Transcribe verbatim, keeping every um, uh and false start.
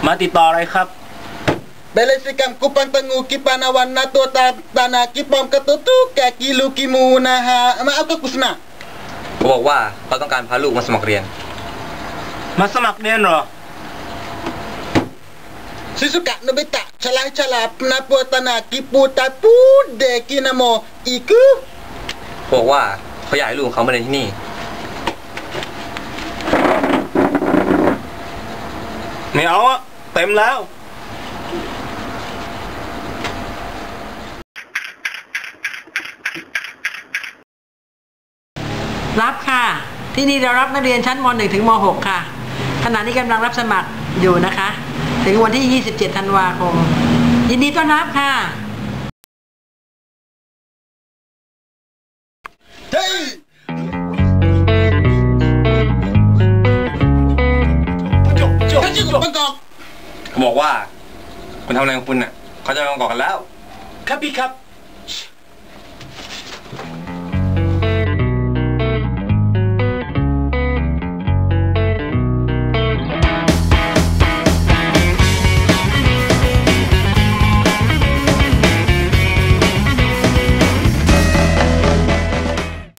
มาติดต่ออะไรครับ Belesikan kupang tengu kipanawan nato tanah kipom ketutu kaki lu kimu naha maaf ke kusna เขาบอกว่าเขาต้องการพาลูกมาสมัครเรียนมาสมัครเรียนเหรอ Sisuka nobita calah calah penapu tanah kipu tapu deki namo iku เขาบอกว่าเขาอยากให้ลูกเขามาเรียนที่นี่ไม่เอาอะเต็มแล้วรับค่ะที่นี่เรารับนักเรียนชั้นม หนึ่ง ถึงม หก ค่ะขณะนี้กำลังรับสมัครอยู่นะคะถึงวันที่ยี่สิบเจ็ดธันวาคมยินดีต้อนรับค่ะเฮ้ยจบจบจบบังกอกเขาบอกว่าคุณทำอะไรของคุณน่ะเขาจะไปบังกอกกันแล้วครับพี่ครับ